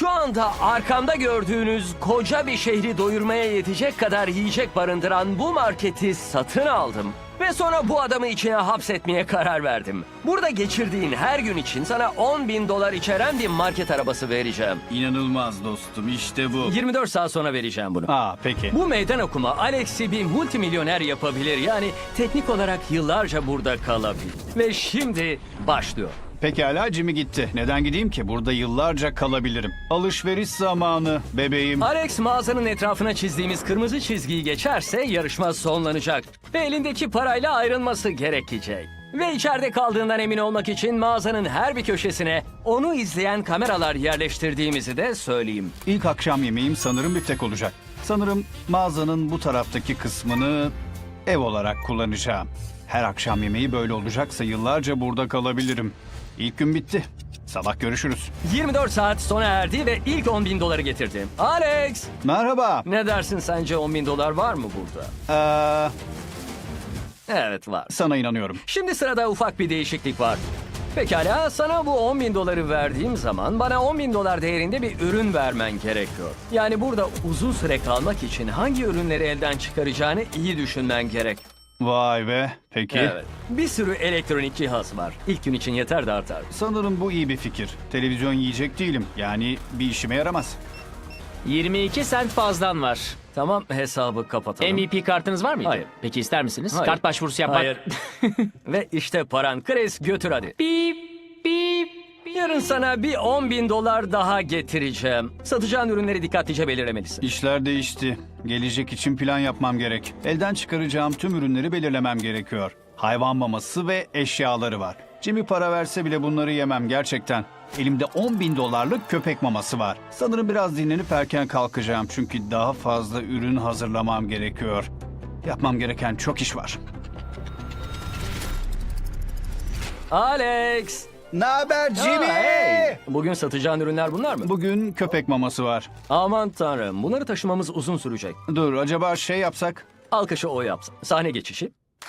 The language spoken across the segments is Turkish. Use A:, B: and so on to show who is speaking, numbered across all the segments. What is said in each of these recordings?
A: Şu anda arkamda gördüğünüz koca bir şehri doyurmaya yetecek kadar yiyecek barındıran bu marketi satın aldım. Ve sonra bu adamı içine hapsetmeye karar verdim. Burada geçirdiğin her gün için sana 10.000 dolar içeren bir market arabası vereceğim.
B: İnanılmaz dostum, işte bu.
A: 24 saat sonra vereceğim bunu.
B: Peki.
A: Bu meydan okuma Alex'i bir multimilyoner yapabilir. Yani teknik olarak yıllarca burada kalabilir. Ve şimdi başlıyor.
B: Pekala, Jimmy gitti. Neden gideyim ki? Burada yıllarca kalabilirim. Alışveriş zamanı bebeğim.
A: Alex mağazanın etrafına çizdiğimiz kırmızı çizgiyi geçerse yarışma sonlanacak. Ve elindeki parayla ayrılması gerekecek. Ve içeride kaldığından emin olmak için mağazanın her bir köşesine onu izleyen kameralar yerleştirdiğimizi de söyleyeyim.
B: İlk akşam yemeğim sanırım biftek olacak. Sanırım mağazanın bu taraftaki kısmını ev olarak kullanacağım. Her akşam yemeği böyle olacaksa yıllarca burada kalabilirim. İlk gün bitti. Sabah görüşürüz.
A: 24 saat sona erdi ve ilk 10.000 doları getirdi. Alex!
B: Merhaba.
A: Ne dersin, sence 10.000 dolar var mı burada? Evet, var.
B: Sana inanıyorum.
A: Şimdi sırada ufak bir değişiklik var. Pekala, sana bu 10.000 doları verdiğim zaman bana 10.000 dolar değerinde bir ürün vermen gerekiyor. Yani burada uzun süre kalmak için hangi ürünleri elden çıkaracağını iyi düşünmen gerek.
B: Vay be. Peki.
A: Evet. Bir sürü elektronik cihaz var. İlk gün için yeter de artar.
B: Sanırım bu iyi bir fikir. Televizyon yiyecek değilim. Yani bir işime yaramaz.
C: 22 sent fazlan var.
A: Tamam, hesabı kapatalım.
C: MVP kartınız var mıydı?
A: Hayır.
C: Peki ister misiniz?
A: Hayır.
C: Kart başvurusu yapmak.
A: Hayır. Ve işte paran. Chris, götür hadi.
C: Bip bip.
A: Yarın sana bir 10.000 dolar daha getireceğim. Satacağın ürünleri dikkatlice belirlemelisin.
B: İşler değişti. Gelecek için plan yapmam gerek. Elden çıkaracağım tüm ürünleri belirlemem gerekiyor. Hayvan maması ve eşyaları var. Jimmy para verse bile bunları yemem gerçekten. Elimde 10.000 dolarlık köpek maması var. Sanırım biraz dinlenip erken kalkacağım çünkü daha fazla ürün hazırlamam gerekiyor. Yapmam gereken çok iş var.
A: Alex!
B: Ne haber
A: Hey! Bugün satacağın ürünler bunlar mı?
B: Bugün köpek maması var.
A: Aman tanrım, bunları taşımamız uzun sürecek.
B: Dur, acaba şey yapsak?
A: Alkışı o yapsın. Sahne geçişi.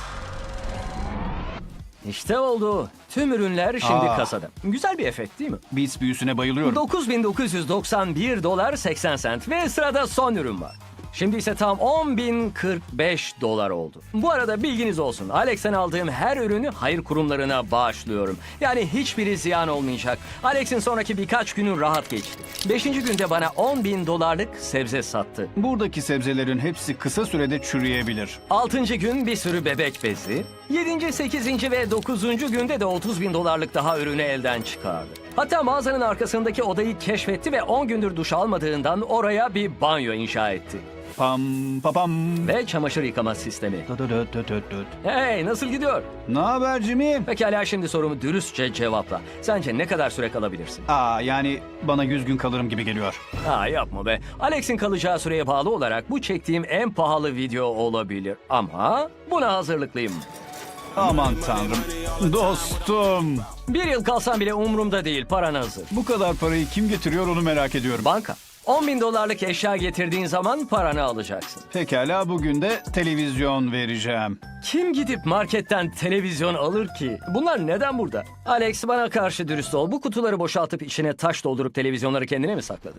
A: İşte oldu. Tüm ürünler şimdi kasada. Güzel bir efekt değil mi?
B: Beats büyüsüne bayılıyorum.
A: 9.991 dolar 80 sent ve sırada son ürün var. Şimdi ise tam 10.045 dolar oldu. Bu arada bilginiz olsun. Alex'ten aldığım her ürünü hayır kurumlarına bağışlıyorum. Yani hiçbiri ziyan olmayacak. Alex'in sonraki birkaç günü rahat geçti. 5. günde bana 10.000 dolarlık sebze sattı.
B: Buradaki sebzelerin hepsi kısa sürede çürüyebilir.
A: 6. gün bir sürü bebek bezi. 7., 8. ve 9. günde de 30.000 dolarlık daha ürünü elden çıkardı. Hatta mağazanın arkasındaki odayı keşfetti ve 10 gündür duş almadığından oraya bir banyo inşa etti.
B: Pam papam.
A: Ve çamaşır yıkama sistemi.
B: Döt.
A: Hey, nasıl gidiyor?
B: Ne haber Jimmy?
A: Pekala, şimdi sorumu dürüstçe cevapla. Sence ne kadar süre kalabilirsin?
B: Yani bana 100 gün kalırım gibi geliyor.
A: Yapma be. Alex'in kalacağı süreye bağlı olarak bu çektiğim en pahalı video olabilir. Ama buna hazırlıklıyım.
B: Aman tanrım. Dostum.
A: 1 yıl kalsam bile umurumda değil, paran hazır.
B: Bu kadar parayı kim getiriyor onu merak ediyorum.
A: Banka. 10.000 dolarlık eşya getirdiğin zaman paranı alacaksın.
B: Pekala, bugün de televizyon vereceğim.
A: Kim gidip marketten televizyon alır ki? Bunlar neden burada? Alex, bana karşı dürüst ol. Bu kutuları boşaltıp içine taş doldurup televizyonları kendine mi sakladın?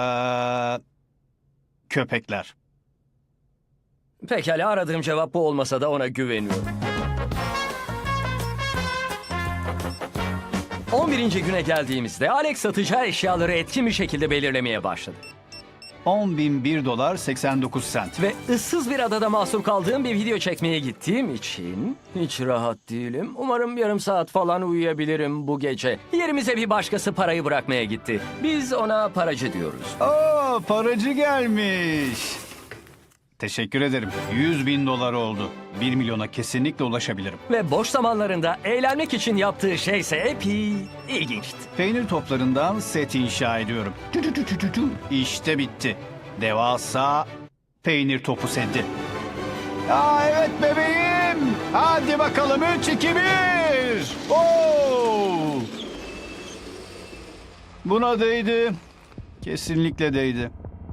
B: Köpekler.
A: Pekala, aradığım cevap bu olmasa da ona güveniyorum. 11. güne geldiğimizde Alex satacağı eşyaları etkin bir şekilde belirlemeye başladı.
B: 10.001 dolar 89 sent.
A: Ve ıssız bir adada mahsur kaldığım bir video çekmeye gittiğim için hiç rahat değilim. Umarım yarım saat falan uyuyabilirim bu gece. Yerimize bir başkası parayı bırakmaya gitti. Biz ona paracı diyoruz.
B: Paracı gelmiş. Teşekkür ederim. 100.000 dolar oldu. 1 milyona kesinlikle ulaşabilirim.
A: Ve boş zamanlarında eğlenmek için yaptığı şeyse epey ilginçti.
B: Peynir toplarından set inşa ediyorum. İşte bitti. Devasa peynir topu seti. Evet bebeğim. Hadi bakalım 3, 2, 1. Buna değdi. Kesinlikle değdi.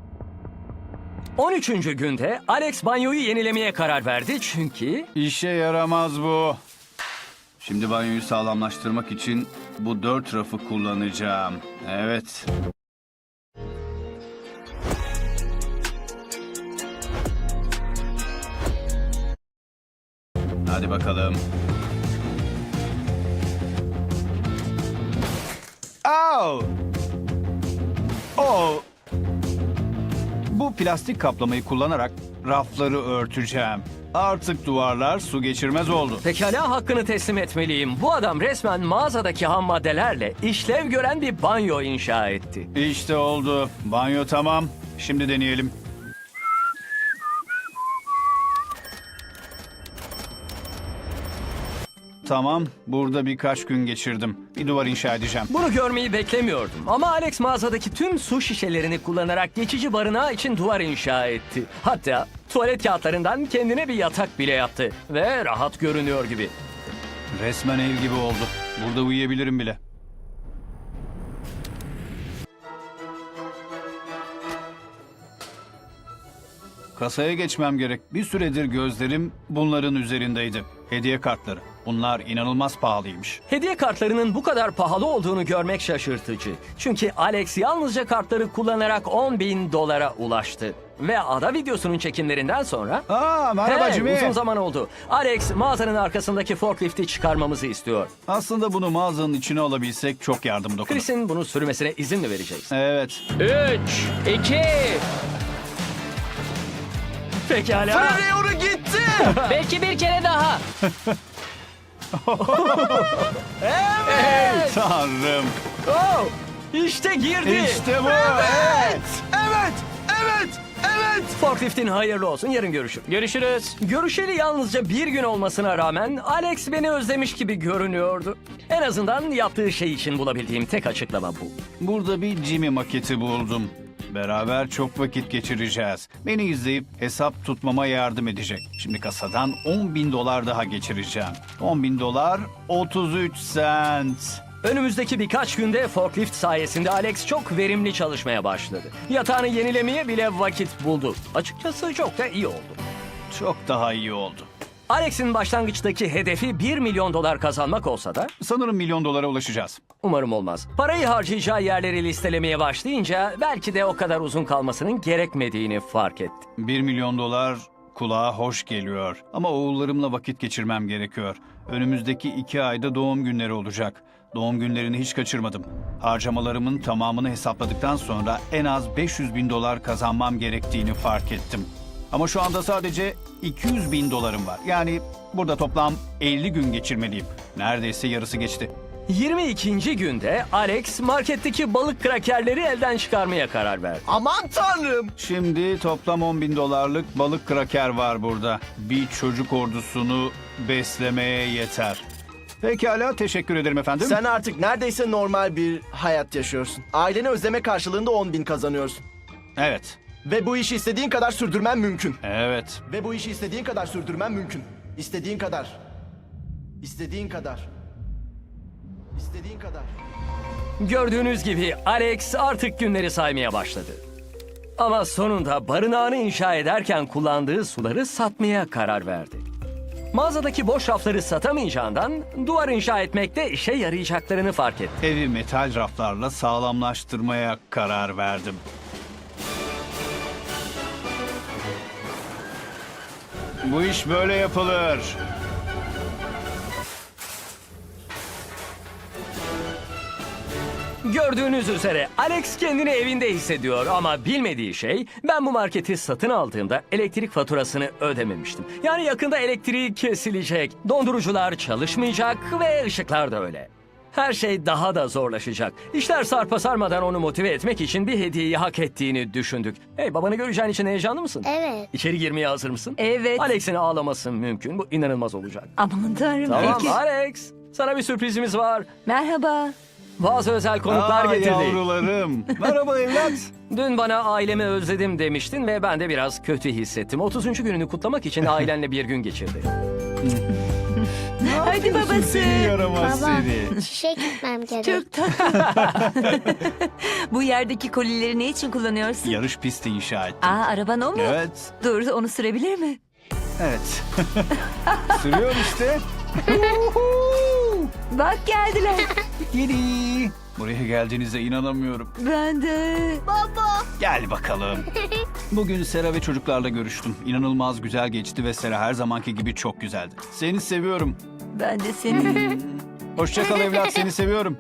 A: 13. günde Alex banyoyu yenilemeye karar verdi çünkü...
B: İşe yaramaz bu. Şimdi banyoyu sağlamlaştırmak için bu 4 rafı kullanacağım. Evet. Hadi bakalım. Au! Oh! Bu plastik kaplamayı kullanarak rafları örteceğim. Artık duvarlar su geçirmez oldu.
A: Pekala, hakkını teslim etmeliyim. Bu adam resmen mağazadaki ham maddelerle işlev gören bir banyo inşa etti.
B: İşte oldu. Banyo tamam. Şimdi deneyelim. Tamam, burada birkaç gün geçirdim. Bir duvar inşa edeceğim.
A: Bunu görmeyi beklemiyordum ama Alex mağazadaki tüm su şişelerini kullanarak geçici barınağı için duvar inşa etti. Hatta tuvalet kağıtlarından kendine bir yatak bile yaptı ve rahat görünüyor gibi.
B: Resmen ev gibi oldu. Burada uyuyabilirim bile. Kasaya geçmem gerek. Bir süredir gözlerim bunların üzerindeydi. Hediye kartları. Bunlar inanılmaz pahalıymış.
A: Hediye kartlarının bu kadar pahalı olduğunu görmek şaşırtıcı. Çünkü Alex yalnızca kartları kullanarak $10.000 ulaştı. Ve ada videosunun çekimlerinden sonra...
B: Merhaba
A: Hey,
B: Jimmy.
A: uzun zaman oldu. Alex mağazanın arkasındaki forklifti çıkarmamızı istiyor.
B: Aslında bunu mağazanın içine alabilsek çok yardım dokunur.
A: Chris'in bunu sürmesine izin mi vereceğiz?
B: Evet.
C: 3, 2,
A: Pekala.
D: Oraya gitti.
C: belki bir kere daha.
B: Tanrım.
A: Oh, işte girdi.
B: İşte bu.
D: Evet.
A: Forkliftin hayırlı olsun. Yarın görüşürüz.
C: Görüşürüz.
A: Görüşeli yalnızca bir gün olmasına rağmen Alex beni özlemiş gibi görünüyordu. En azından yaptığı şey için bulabildiğim tek açıklama bu.
B: Burada bir Jimmy maketi buldum. Beraber çok vakit geçireceğiz. Beni izleyip hesap tutmama yardım edecek. Şimdi kasadan $10.000 daha geçireceğim. $10.000 33 cent.
A: Önümüzdeki birkaç günde forklift sayesinde Alex çok verimli çalışmaya başladı. Yatağını yenilemeye bile vakit buldu. Açıkçası çok da iyi oldu.
B: Çok daha iyi oldu.
A: Alex'in başlangıçtaki hedefi $1 milyon kazanmak olsa da
B: Sanırım $1 milyon ulaşacağız.
A: umarım olmaz. Parayı harcayacağı yerleri listelemeye başlayınca belki de o kadar uzun kalmasının gerekmediğini fark etti.
B: $1 milyon kulağa hoş geliyor. Ama oğullarımla vakit geçirmem gerekiyor. Önümüzdeki 2 ayda doğum günleri olacak. Doğum günlerini hiç kaçırmadım. Harcamalarımın tamamını hesapladıktan sonra en az $500.000 kazanmam gerektiğini fark ettim. Ama şu anda sadece $200.000 var. Yani burada toplam 50 gün geçirmeliyim. Neredeyse yarısı geçti.
A: 22. günde Alex marketteki balık krakerleri elden çıkarmaya karar verdi.
D: Aman tanrım.
B: Şimdi toplam $10.000 balık kraker var burada. Bir çocuk ordusunu beslemeye yeter. Pekala, teşekkür ederim efendim.
D: Sen artık neredeyse normal bir hayat yaşıyorsun. Aileni özleme karşılığında 10.000 kazanıyorsun.
B: Evet,
D: Ve bu işi istediğin kadar sürdürmen mümkün.
B: evet.
D: Ve bu işi istediğin kadar sürdürmen mümkün. İstediğin kadar. İstediğin kadar. İstediğin kadar.
A: Gördüğünüz gibi Alex artık günleri saymaya başladı. Ama sonunda barınağını inşa ederken kullandığı suları satmaya karar verdi. Mağazadaki boş rafları satamayacağından duvar inşa etmekte işe yarayacaklarını fark etti.
B: Evi metal raflarla sağlamlaştırmaya karar verdim. Bu iş böyle yapılır.
A: Gördüğünüz üzere Alex kendini evinde hissediyor ama bilmediği şey, ben bu marketi satın aldığımda elektrik faturasını ödememiştim. Yani yakında elektriği kesilecek, dondurucular çalışmayacak ve ışıklar da öyle. Her şey daha da zorlaşacak. İşler sarpa sarmadan onu motive etmek için bir hediyeyi hak ettiğini düşündük. Hey, babanı göreceğin için heyecanlı mısın?
E: Evet.
A: İçeri girmeye hazır mısın?
E: Evet.
A: Alex'in ağlaması mümkün. Bu inanılmaz olacak.
E: Aman tanrım.
A: Tamam
E: Peki.
A: Alex, sana bir sürprizimiz var.
E: Merhaba.
A: Bazı özel konuklar getirdik.
B: Yavrularım. Merhaba evlat.
A: Dün bana ailemi özledim demiştin ve ben de biraz kötü hissettim. 30. gününü kutlamak için ailenle bir gün geçirdi.
E: Hadi babası.
B: Seni yaramaz seni.
F: İşe gitmem gerek.
E: Çok tatlı. Bu yerdeki kolileri ne için kullanıyorsun?
B: Yarış pisti inşa ettim.
E: Aa, araban o mu?
B: Evet.
E: Dur, onu sürebilir mi?
B: Evet. Sürüyor işte.
E: Bak geldiler.
B: Gidi. Buraya geldiğinize inanamıyorum.
E: Ben de.
F: Baba,
B: Gel bakalım. Bugün Sera ve çocuklarla görüştüm. İnanılmaz güzel geçti ve Sera her zamanki gibi çok güzeldi. Seni seviyorum.
E: Ben de seni.
B: Hoşça kal evlat, seni seviyorum.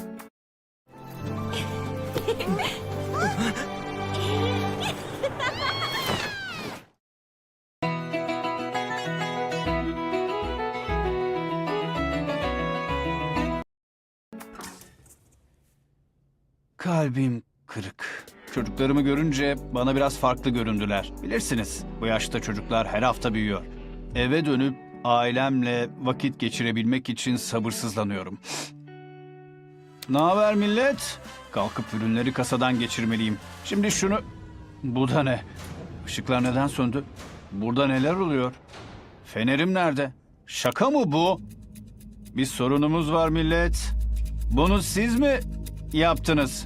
B: Kalbim kırık. Çocuklarımı görünce bana biraz farklı göründüler. Bilirsiniz, bu yaşta çocuklar her hafta büyüyor. Eve dönüp ailemle vakit geçirebilmek için sabırsızlanıyorum. Ne haber millet? Kalkıp ürünleri kasadan geçirmeliyim. Şimdi şunu... Bu da ne? Işıklar neden söndü? Burada neler oluyor? Fenerim nerede? Şaka mı bu? Bir sorunumuz var millet. Bunu siz mi yaptınız?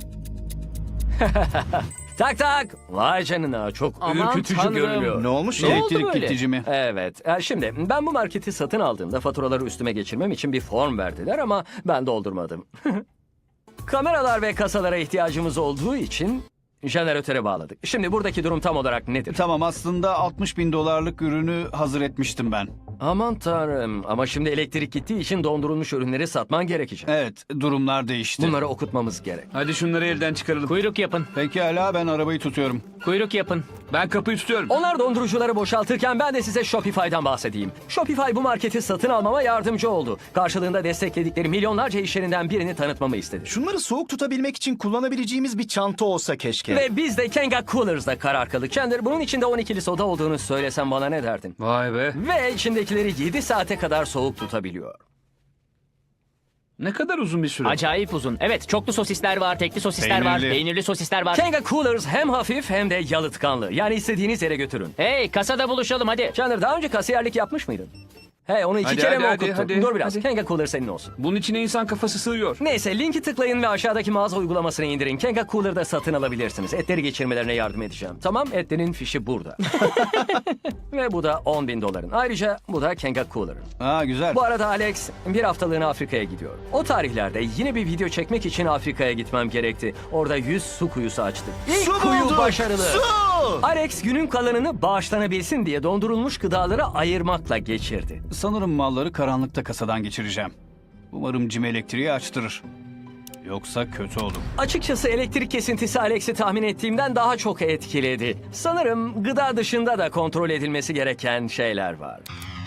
A: Tak tak. Vay canına, çok
C: Aman
A: ürkütücü
C: tanrım.
A: görünüyor.
D: Ne olmuş
C: Ne
D: ya?
C: oldu
B: Elektrik
C: böyle?
B: gidici mi?
A: Evet. Şimdi ben bu marketi satın aldığımda faturaları üstüme geçirmem için bir form verdiler ama ben doldurmadım. Kameralar ve kasalara ihtiyacımız olduğu için jeneratöre bağladık. Şimdi buradaki durum tam olarak nedir?
B: Tamam, aslında 60 bin dolarlık ürünü hazır etmiştim ben.
A: Aman tanrım, ama şimdi elektrik gittiği için dondurulmuş ürünleri satman gerekecek.
B: Evet, durumlar değişti.
A: Bunları okutmamız gerek.
F: Hadi şunları elden çıkaralım.
C: Kuyruk yapın.
B: Pekala, ben arabayı tutuyorum.
C: Kuyruk yapın.
F: Ben kapıyı tutuyorum.
A: Onlar dondurucuları boşaltırken ben de size Shopify'dan bahsedeyim. Shopify bu marketi satın almama yardımcı oldu. Karşılığında destekledikleri milyonlarca iş yerinden birini tanıtmamı istedi.
D: Şunları soğuk tutabilmek için kullanabileceğimiz bir çanta olsa keşke.
A: Ve biz de Kenga Coolers'da karar kıldık. Chandler, bunun içinde 12'li soda olduğunu söylesem bana ne derdin?
F: Vay be.
A: Ve içindekileri 7 saate kadar soğuk tutabiliyor.
F: Ne kadar uzun bir süre.
C: Acayip uzun. Evet, çoklu sosisler var, tekli sosisler var,
B: Peynirli.
C: peynirli sosisler var.
A: Kenga Coolers hem hafif hem de yalıtkanlı. Yani istediğiniz yere götürün.
C: Hey, kasada buluşalım hadi.
A: Chandler, daha önce kasiyerlik yapmış mıydın? Hey, onu iki
F: Hadi,
A: kere
F: hadi,
A: mi
F: hadi,
A: okuttun?
F: hadi,
A: Dur biraz.
F: hadi.
A: Kenga Cooler senin olsun.
F: Bunun içine insan kafası sığıyor.
A: Neyse, linki tıklayın ve aşağıdaki mağaza uygulamasını indirin. Kenga Cooler'da satın alabilirsiniz. Etleri geçirmelerine yardım edeceğim. Tamam, etlerin fişi burada. Ve bu da 10 bin doların. Ayrıca bu da Kenga Cooler'ın.
B: Aa, güzel.
A: Bu arada Alex bir haftalığına Afrika'ya gidiyor. O tarihlerde yine bir video çekmek için Afrika'ya gitmem gerekti. Orada 100 su kuyusu açtık. İlk
D: Su
A: kuyu
D: bulduk!
A: başarılı.
D: Su!
A: Alex günün kalanını bağışlanabilsin diye dondurulmuş gıdaları ayırmakla geçirdi.
B: Sanırım malları karanlıkta kasadan geçireceğim. Umarım Jim elektriği açtırır. Yoksa kötü olur.
A: Açıkçası elektrik kesintisi Alex'i tahmin ettiğimden daha çok etkiledi. Sanırım gıda dışında da kontrol edilmesi gereken şeyler var.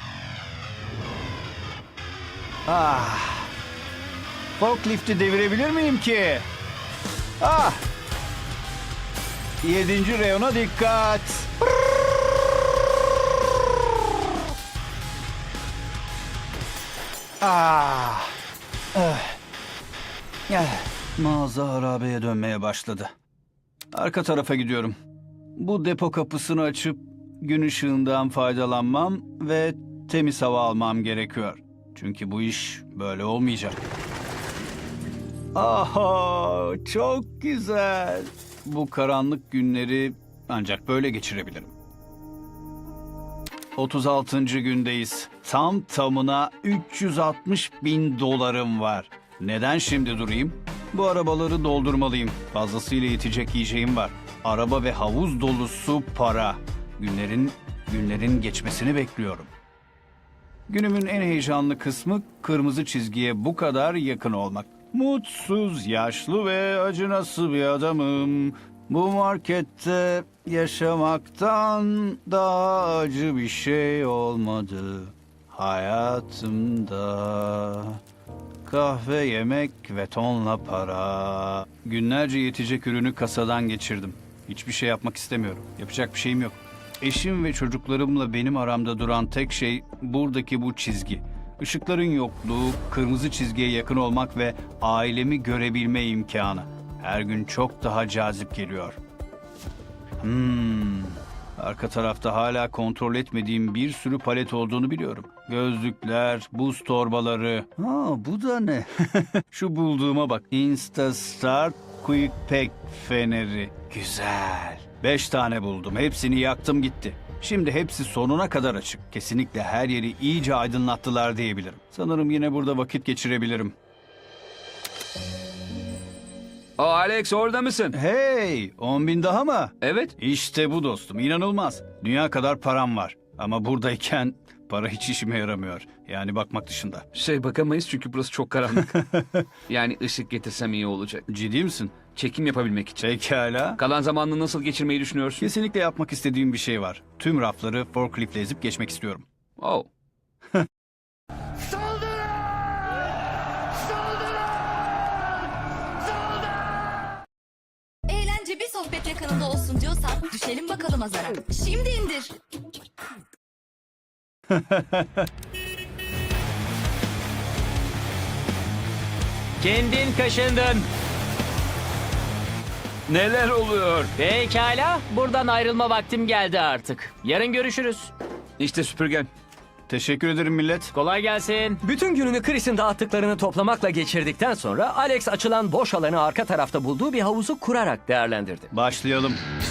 B: Forklifti devirebilir miyim ki? Ah! 7. reyona dikkat. Ah! Mağaza harabeye dönmeye başladı. Arka tarafa gidiyorum. Bu depo kapısını açıp gün ışığından faydalanmam ve temiz hava almam gerekiyor. Çünkü bu iş böyle olmayacak. Aha, çok güzel. Bu karanlık günleri ancak böyle geçirebilirim. 36. gündeyiz. Tam tamına 360 bin dolarım var. Neden şimdi durayım? Bu arabaları doldurmalıyım. Fazlasıyla yetecek yiyeceğim var. Araba ve havuz dolusu para. Günlerin geçmesini bekliyorum. Günümün en heyecanlı kısmı kırmızı çizgiye bu kadar yakın olmak. Mutsuz, yaşlı ve acınası bir adamım. Bu markette yaşamaktan daha acı bir şey olmadı hayatımda. Kahve, yemek ve tonla para. Günlerce yetecek ürünü kasadan geçirdim. Hiçbir şey yapmak istemiyorum. Yapacak bir şeyim yok. Eşim ve çocuklarımla benim aramda duran tek şey buradaki bu çizgi. Işıkların yokluğu, kırmızı çizgiye yakın olmak ve ailemi görebilme imkanı. Her gün çok daha cazip geliyor. Arka tarafta hala kontrol etmediğim bir sürü palet olduğunu biliyorum. Gözlükler, buz torbaları. Bu da ne? Şu bulduğuma bak. Instastart Quick Pack feneri. Güzel. 5 tane buldum. Hepsini yaktım gitti. Şimdi hepsi sonuna kadar açık. Kesinlikle her yeri iyice aydınlattılar diyebilirim. Sanırım yine burada vakit geçirebilirim.
F: Alex orada mısın?
B: Hey, 10 bin daha mı?
F: Evet.
B: İşte bu dostum, inanılmaz. Dünya kadar param var. Ama buradayken para hiç işime yaramıyor. Yani bakmak dışında.
F: Bakamayız çünkü burası çok karanlık. Yani ışık getirsem iyi olacak.
B: Ciddi misin?
F: Çekim yapabilmek için.
B: Pekala.
F: Kalan zamanını nasıl geçirmeyi düşünüyorsun?
B: Kesinlikle yapmak istediğim bir şey var. Tüm rafları forkliftle ezip geçmek istiyorum.
F: Oh.
G: Eğlence bir sohbet yakınında olsun diyorsan düşelim bakalım azara. Şimdi indir.
C: Kendin kaşındın.
F: Neler oluyor?
C: Pekala. Buradan ayrılma vaktim geldi artık. Yarın görüşürüz.
F: İşte süpürgen.
B: Teşekkür ederim millet.
C: Kolay gelsin.
A: Bütün gününü Chris'in dağıttıklarını toplamakla geçirdikten sonra Alex açılan boş alanı arka tarafta bulduğu bir havuzu kurarak değerlendirdi.
B: Başlayalım.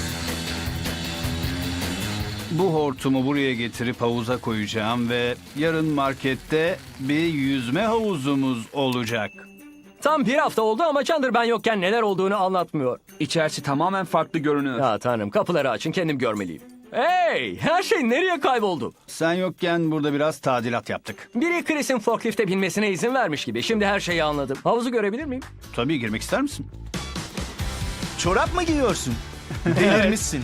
B: Bu hortumu buraya getirip havuza koyacağım ve yarın markette bir yüzme havuzumuz olacak.
A: Tam bir hafta oldu ama Chandler ben yokken neler olduğunu anlatmıyor.
F: İçerisi tamamen farklı görünüyor.
A: Ya tanrım, kapıları açın, kendim görmeliyim. Hey, her şey nereye kayboldu?
B: Sen yokken burada biraz tadilat yaptık.
A: Biri Chris'in forklifte binmesine izin vermiş gibi. Şimdi her şeyi anladım. Havuzu görebilir miyim?
B: Tabii, girmek ister misin?
D: Çorap mı giyiyorsun? Delirmişsin.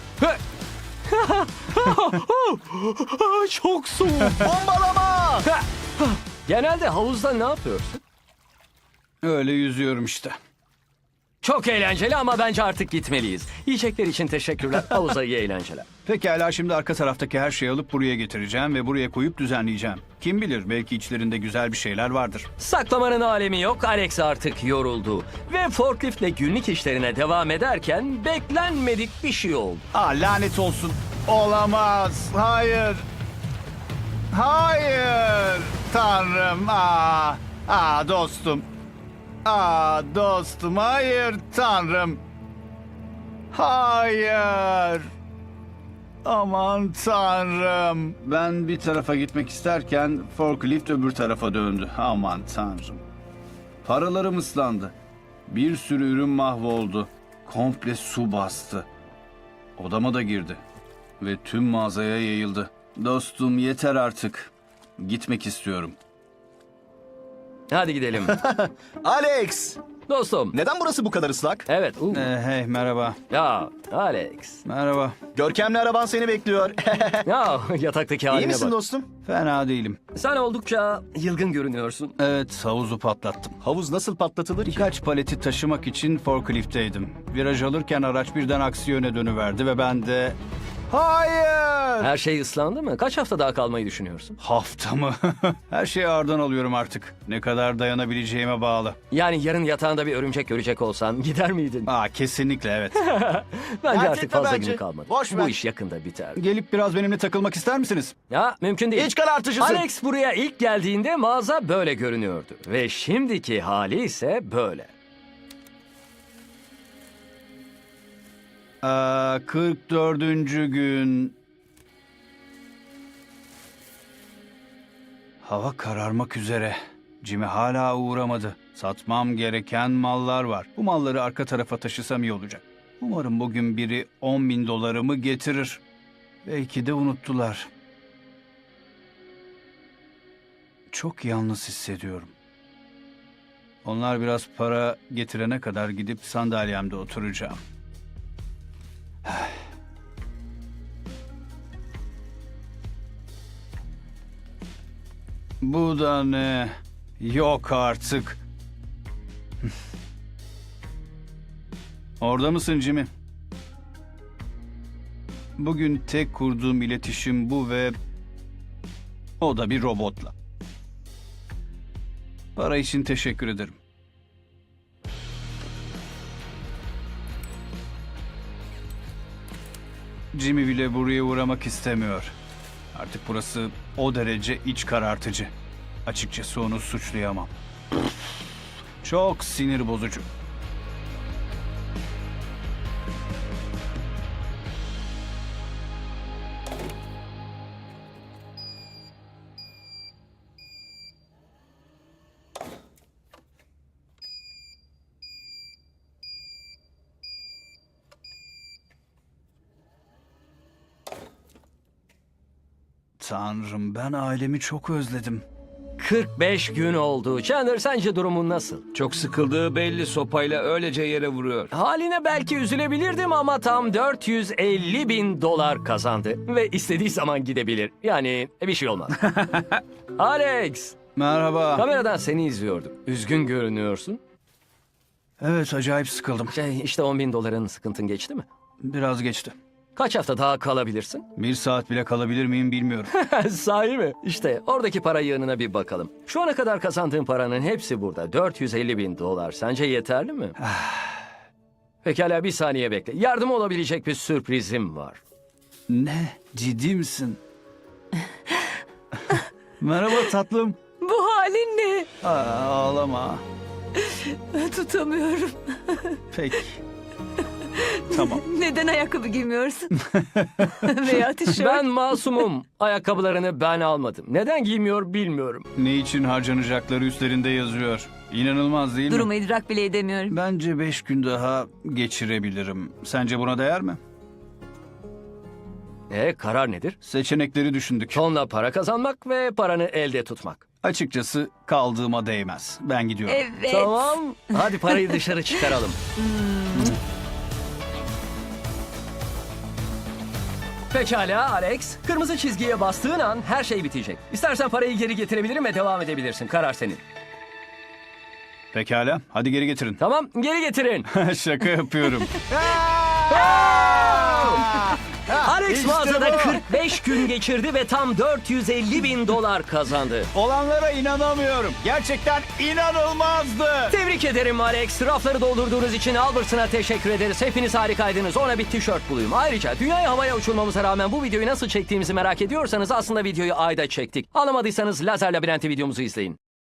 A: Çok soğuk.
D: Bombalama!
A: Genelde havuzda ne yapıyorsun?
B: Öyle yüzüyorum işte.
A: Çok eğlenceli ama bence artık gitmeliyiz. Yiyecekler için teşekkürler. Havuza iyi eğlenceler.
B: Pekala, şimdi arka taraftaki her şeyi alıp buraya getireceğim ve buraya koyup düzenleyeceğim. Kim bilir, belki içlerinde güzel bir şeyler vardır.
A: Saklamanın alemi yok. Alex artık yoruldu. Ve forkliftle günlük işlerine devam ederken beklenmedik bir şey oldu.
B: Lanet olsun. Olamaz. Hayır. Hayır. Tanrım. Dostum. Dostum. Hayır Tanrım. Hayır. Aman Tanrım. Ben bir tarafa gitmek isterken forklift öbür tarafa döndü. Aman Tanrım. Paralarım ıslandı. Bir sürü ürün mahvoldu. Komple su bastı. Odama da girdi. Ve tüm mağazaya yayıldı. Dostum, yeter artık. Gitmek istiyorum.
A: Hadi gidelim.
D: Alex!
A: Dostum.
D: Neden burası bu kadar ıslak?
A: Evet.
B: Hey, merhaba.
A: Ya Alex.
B: Merhaba.
D: Görkemli araban seni bekliyor.
A: Ya yataktaki
D: İyi
A: haline
D: misin
A: bak.
D: dostum?
B: Fena değilim.
A: Sen oldukça yılgın görünüyorsun.
B: Evet, havuzu patlattım.
D: Havuz nasıl patlatılır ki?
B: Birkaç paleti taşımak için forkliftteydim. Viraj alırken araç birden aksi yöne dönüverdi ve ben de... Hayır!
A: Her şey ıslandı mı? Kaç hafta daha kalmayı düşünüyorsun?
B: Hafta mı? Her şeyi ağırdan alıyorum artık. Ne kadar dayanabileceğime bağlı.
A: Yani yarın yatağında bir örümcek görecek olsan gider miydin?
B: Kesinlikle evet.
A: Bence
D: Dert
A: artık
D: etme
A: fazla
D: bence.
A: günü kalmadı.
D: Boş
A: Bu
D: ver.
A: iş yakında biter.
B: Gelip biraz benimle takılmak ister misiniz?
A: Ya mümkün değil.
D: İç karartıcısın.
A: Alex buraya ilk geldiğinde mağaza böyle görünüyordu. Ve şimdiki hali ise böyle.
B: 44. gün. Hava kararmak üzere. Jimmy hala uğramadı. Satmam gereken mallar var. Bu malları arka tarafa taşısam iyi olacak. Umarım bugün biri 10 bin dolarımı getirir. Belki de unuttular. Çok yalnız hissediyorum. Onlar biraz para getirene kadar gidip sandalyemde oturacağım. Bu da ne? Yok artık. Orada mısın Jimmy? Bugün tek kurduğum iletişim bu ve o da bir robotla. Para için teşekkür ederim. Jimmy bile buraya uğramak istemiyor. Artık burası o derece iç karartıcı. Açıkçası onu suçlayamam. Çok sinir bozucu. Tanrım, ben ailemi çok özledim.
A: 45 gün oldu. Chandler, sence durumun nasıl?
F: Çok sıkıldığı belli, sopayla öylece yere vuruyor.
A: Haline belki üzülebilirdim ama tam 450 bin dolar kazandı. Ve istediği zaman gidebilir. Yani bir şey olmaz. Alex,
B: Merhaba.
A: kameradan seni izliyordum. Üzgün görünüyorsun.
B: Evet, acayip sıkıldım.
A: İşte 10 bin doların sıkıntın geçti mi?
B: Biraz geçti.
A: Kaç hafta daha kalabilirsin?
B: 1 saat bile kalabilir miyim bilmiyorum.
A: Sahi mi? İşte oradaki para yığınına bir bakalım. Şu ana kadar kazandığın paranın hepsi burada. 450 bin dolar. Sence yeterli mi? Pekala, bir saniye bekle. Yardım olabilecek bir sürprizim var.
B: Ne? Ciddi misin? Merhaba tatlım.
E: Bu halin ne?
B: Ağlama.
E: Tutamıyorum.
B: Peki. Tamam.
E: Neden ayakkabı giymiyorsun? Veya tişört.
A: Ben masumum. Ayakkabılarını ben almadım. Neden giymiyor bilmiyorum.
B: Ne için harcanacakları üstlerinde yazıyor. İnanılmaz değil mi?
E: Durumu idrak bile edemiyorum.
B: Bence 5 gün daha geçirebilirim. Sence buna değer mi?
A: Karar nedir?
B: Seçenekleri düşündük.
A: Tonla para kazanmak ve paranı elde tutmak.
B: Açıkçası kaldığıma değmez. Ben gidiyorum.
E: Evet.
A: Tamam. Hadi parayı dışarı çıkaralım. Pekala Alex. Kırmızı çizgiye bastığın an her şey bitecek. İstersen parayı geri getirebilirim ve devam edebilirsin. Karar senin.
B: Pekala. Hadi geri getirin.
A: Tamam, geri getirin.
B: Şaka yapıyorum.
A: Alex
B: İşte
A: mağazada
B: bu.
A: 45 gün geçirdi ve tam 450 bin dolar kazandı.
B: Olanlara inanamıyorum. Gerçekten inanılmazdı.
A: Tebrik ederim Alex. Rafları doldurduğunuz için Albertson'a teşekkür ederiz. Hepiniz harikaydınız. Ona bir tişört bulayım. Ayrıca dünyayı havaya uçurmamıza rağmen bu videoyu nasıl çektiğimizi merak ediyorsanız aslında videoyu ayda çektik. Anlamadıysanız Lazer Labirenti videomuzu izleyin.